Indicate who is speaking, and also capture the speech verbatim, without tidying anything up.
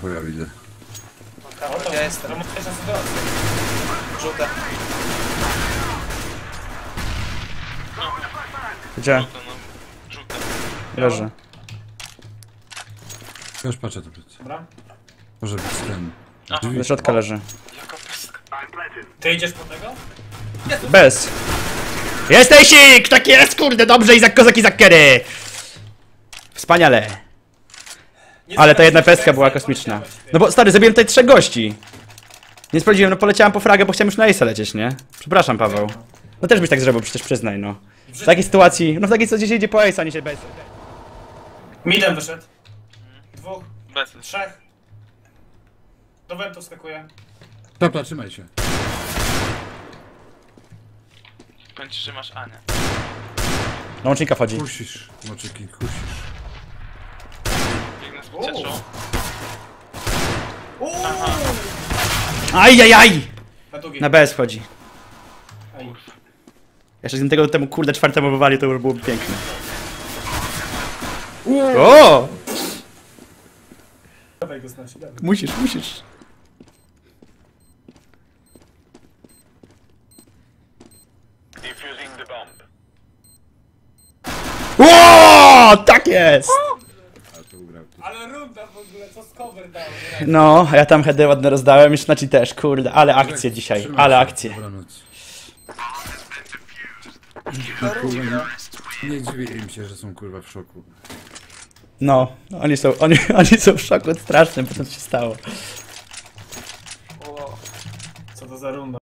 Speaker 1: chuja widzę.
Speaker 2: O, to ja jestem. Żółte.
Speaker 3: Gdzie?
Speaker 4: Żółte.
Speaker 3: Leży.
Speaker 1: Już patrzę to plecy.
Speaker 2: Dobra.
Speaker 1: Może być ten.
Speaker 4: Aha.
Speaker 3: Do środka leży.
Speaker 4: Jaka pestka.
Speaker 2: Ty idziesz po tego?
Speaker 3: Bez! Jesteś ik! Tak jest, kurde, dobrze, Izak Kozak, Izak Kery! Wspaniale. Ale ta jedna pestka była kosmiczna. No bo stary, zabiłem tutaj trzech gości. Nie sprawdziłem, no poleciałem po fragę, bo chciałem już na Ace'a lecieć, nie? Przepraszam, Paweł. No też byś tak zrobił, przecież przyznaj, no. W takiej sytuacji, no w takiej sytuacji się idzie po Ace'a, a nie się bez.
Speaker 2: Midem wyszedł. Dwóch,
Speaker 4: Bez.
Speaker 2: trzech. Do wentu skakuje.
Speaker 1: Dobra, trzymaj się.
Speaker 4: Powiem ci, że masz Anię.
Speaker 3: No łącznika wchodzi.
Speaker 1: Kusisz, moczyki, kusisz.
Speaker 4: Biegnę z ucieczą.
Speaker 2: Uuu!
Speaker 3: Ajajaj!
Speaker 2: Na długi.
Speaker 3: Na B S wchodzi.
Speaker 2: Aj.
Speaker 3: Jeszcze z tego temu kurde czwartemu wywali, to już byłoby piękne. O!
Speaker 2: Dawaj go znaczy, dawaj.
Speaker 3: Musisz, musisz. O, tak jest!
Speaker 1: A to ugrał.
Speaker 2: Ale runda w ogóle, co z cover dał?
Speaker 3: No, a ja tam heady ładne rozdałem, już na ci też, kurde, ale akcje dzisiaj,
Speaker 1: Trzymaj
Speaker 3: ale
Speaker 1: się.
Speaker 3: akcje.
Speaker 1: Dobranoc. No, kurwa, nie, nie dziwię im się, że są kurwa w szoku.
Speaker 3: No, oni są, oni, oni są w szoku strasznym po tym, co się stało.
Speaker 2: Co to za runda?